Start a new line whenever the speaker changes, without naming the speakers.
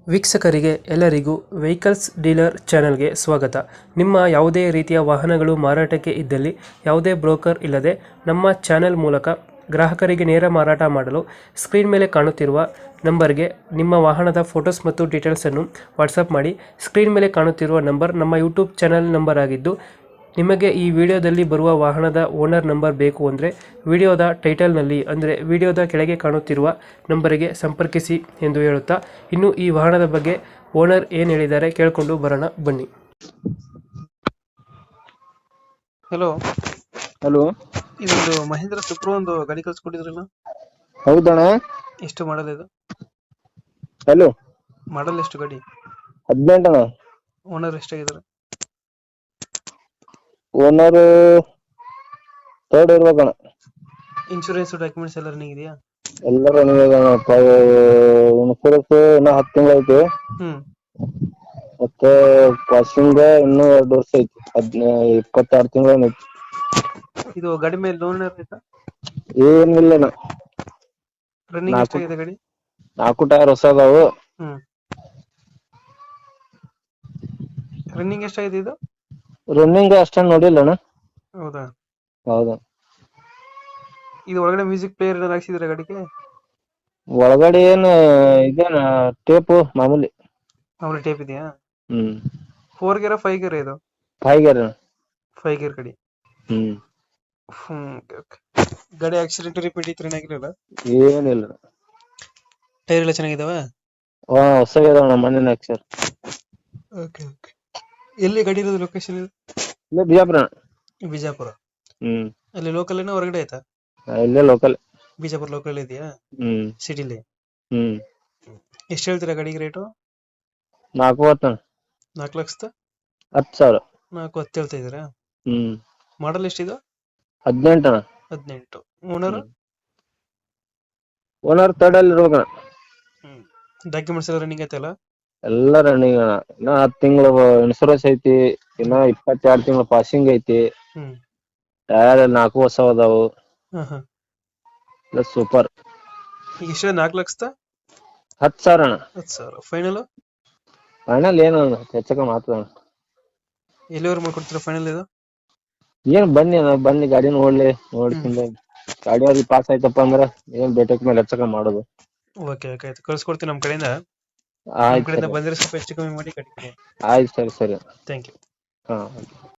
ವೀಕ್ಷಕರಿಗೆ ಎಲ್ಲರಿಗೂ vehicles dealer ಚಾನೆಲ್ಗೆ ಸ್ವಾಗತ. ನಿಮ್ಮ ಯಾವುದೇ ರೀತಿಯ ವಾಹನಗಳು ಮಾರಾಟಕ್ಕೆ ಇದ್ದಲ್ಲಿ ಯಾವುದೇ ಬ್ರೋಕರ್ ಇಲ್ಲದೆ ನಮ್ಮ ಚಾನೆಲ್ ಮೂಲಕ ಗ್ರಾಹಕರಿಗೆ ನೇರ ಮಾರಾಟ ಮಾಡಲು ಸ್ಕ್ರೀನ್ ಮೇಲೆ ಕಾಣುತ್ತಿರುವ ನಂಬರ್ಗೆ ನಿಮ್ಮ ವಾಹನದ ಫೋಟೋಸ್ ಮತ್ತು ಡೀಟೇಲ್ಸನ್ನು ವಾಟ್ಸಪ್ ಮಾಡಿ. ಸ್ಕ್ರೀನ್ ಮೇಲೆ ಕಾಣುತ್ತಿರುವ ನಂಬರ್ ನಮ್ಮ ಯೂಟ್ಯೂಬ್ ಚಾನೆಲ್ ನಂಬರ್ ಆಗಿದ್ದು, ನಿಮಗೆ ಈ ವಿಡಿಯೋದಲ್ಲಿ ಬರುವ ವಾಹನದ ಓನರ್ ನಂಬರ್ ಬೇಕು ಅಂದರೆ ವಿಡಿಯೋದ ಟೈಟಲ್ನಲ್ಲಿ ಅಂದರೆ ವಿಡಿಯೋದ ಕೆಳಗೆ ಕಾಣುತ್ತಿರುವ ನಂಬರಿಗೆ ಸಂಪರ್ಕಿಸಿ ಎಂದು ಹೇಳುತ್ತಾ, ಇನ್ನು ಈ ವಾಹನದ ಬಗ್ಗೆ ಓನರ್ ಏನು ಹೇಳಿದ್ದಾರೆ ಕೇಳಿಕೊಂಡು ಬರೋಣ ಬನ್ನಿ. ಹಲೋ
ಹಲೋ,
ಇದೊಂದು ಮಹೇಂದ್ರ ಸುಪ್ರೋ ಒಂದು ಗಾಡಿ ಕಳ್ಸಿಕೊಟ್ಟಿದ್ರಲ್ಲ,
ಹೌದಣ್ಣ.
ಎಷ್ಟು ಮಾಡಲ್ ಇದು?
ಹಲೋ,
ಮಾಡಲ್ ಎಷ್ಟು ಗಾಡಿ?
18 ಅಣ್ಣ.
ಓನರ್ ಎಷ್ಟಾಗಿದ್ದಾರೆ?
ಓನರ್ ಥರ್ಡ್ ಇರ್ಬೇಕಣ್ಣ.
ಇನ್ಶೂರೆನ್ಸ್ ಡಾಕ್ಯುಮೆಂಟ್ಸ್ ಎಲ್ಲ ರನ್ನಿಂಗ್ ಇದೆಯಾ?
ಎಲ್ಲರೂ ಇನ್ಶೂರೆನ್ಸ್ ಇನ್ನೂ 10 ತಿಂಗಳು ಐತಿ. ಮತ್ತೆ ಪಾಸಿಂಗ್ ಇನ್ನೂ 2 ವರ್ಷ ಐತಿ. 22 ತಿಂಗಳು ಐತಿ.
ಇದು ಗಾಡಿ ಮೇಲೆ ಲೋನ್ ಇರಬೇಕಾ?
ಏನಿಲ್ಲಣ್ಣ.
ರನ್ನಿಂಗ್ ಎಷ್ಟಾಗಿದೆ ಗಾಡಿ?
4 ಟೈರ್ ಹೊಸ ಅದಾವು.
ರನ್ನಿಂಗ್ ಎಷ್ಟಾಗಿದೆ ಇದು?
ರನ್ನಿಂಗ್ ಅಷ್ಟೇನು ನೋಡಿಲ್ಲ ಅಣ್ಣ.
ಹೌದಾ?
ಹೌದಾ.
ಇದು ಒಳಗಡೆ ಮ್ಯೂಸಿಕ್ ಪ್ಲೇಯರ್ ಏನಾರು ಹಾಕ್ಸಿದ್ರೆ ಗಾಡಿಗೆ?
ಒಳಗಡೆ ಇದೇನ ಟೇಪು ಮಾಮೂಲಿ.
ಮಾಮೂಲಿ ಟೇಪ್ ಇದೆಯಾ? 4 ಗೇರ್ 5 ಗೇರ್ ಇದು?
5 ಗೇರ್.
5 ಗೇರ್ ಗಾಡಿ. ಗಾಡಿ ಆಕ್ಸಿಡೆಂಟ್ ರಿಪೇಟ್ ಇತ್ತು ಏನಾಗಿರಲ್ಲ?
ಏನಿಲ್ಲ.
ಟೈರ್ ಎಲ್ಲ ಚೆನ್ನಾಗಿದಾವ?
ಹೊಸಗಿದಾವಣ್ಣ, ಮಣ್ಣಿನ ಅಕ್ಷರ.
Okay okay. ಎಲ್ಲಿ ಗಾಡಿ ಇರೋದು? ಲೊಕೇಶನ್ ಇದು?
ಇಲ್ಲೇ ಬಿಜಾಪುರ.
ಬಿಜಾಪುರ. ಅಲ್ಲಿ ಲೋಕಲ್ ಏನೋ ಹೊರಗಡೆ ಆಯ್ತಾ?
ಇಲ್ಲೇ ಲೋಕಲ್.
ಬಿಜಾಪುರ ಲೋಕಲ್ ಇದೆಯಾ? ಸಿಟಿಲಿ. ಎಷ್ಟು ಹೇಳ್ತೀರಾ ಗಾಡಿಗೆ ರೇಟು?
4
4,10,000?
10,000.
4,10 ಹೇಳ್ತಾ ಇದೀರಾ? ಮಾಡಲ್ ಎಷ್ಟಿದು?
18 ಅಣ್ಣ.
18. ಓನರ್?
ಓನರ್ ಥರ್ಡ್ ಅಲ್ಲಿ ಇರ್ಬೇಕಣ್ಣ.
ಡಾಕ್ಯುಮೆಂಟ್ಸ್ ಎಲ್ಲ ರನ್ನಿಂಗ್ ಐತಲ್ಲ?
ಎಲ್ಲ ರನ್ನಿಂಗ್ ಅಣ್ಣ. ಇನ್ನ 10 ತಿಂಗಳು ಇನ್ಶೂರೆನ್ಸ್ ಐತಿ. ಇನ್ನ 22 ತಿಂಗಳು ಪಾಸಿಂಗ್ ಐತಿ. ಟೈರ್ 4 ಹೊಸ ಅದಾವು. ಸೂಪರ್.
ಈಗ ಎಷ್ಟು? 4,10,000?
10,000 ಅಣ್ಣ.
10,000 ಫೈನಲ್?
ಫೈನಲ್ ಏನು ಹೆಚ್ಚಕ ಮಾತ್ರ.
ಎಲ್ಲಿವರೆಗೆ ಮಾಡ್ಕೊಡ್ತೀರಾ ಫೈನಲ್ ಇದು?
ಏನ್ ಬನ್ನಿ ಗಾಡಿ ನೋಡ್ತೀನಿ. ಗಾಡಿ ಅವ್ರಿಗೆ ಪಾಸ್ ಆಯ್ತಪ್ಪ ಅಂದ್ರ ಏನ್ ಬೇಟಕ್ ಮೇಲೆ ಹೆಚ್ಚಕ ಮಾಡೋದು.
ಓಕೆ ಓಕೆ, ಆಯ್ತು, ಕಳ್ಸ್ಕೊಡ್ತೀನಿ ನಮ್ಮ ಕಡೆಯಿಂದ.
ಆಯ್ತು
ಬಂದ್ರೆ ಸ್ವಲ್ಪ ಹೆಚ್ಚು ಕಮ್ಮಿ ಮಾಡಿ ಗಾಡಿ.
ಆಯ್ತು, ಸರಿ.
Thank you.
ಹಾ.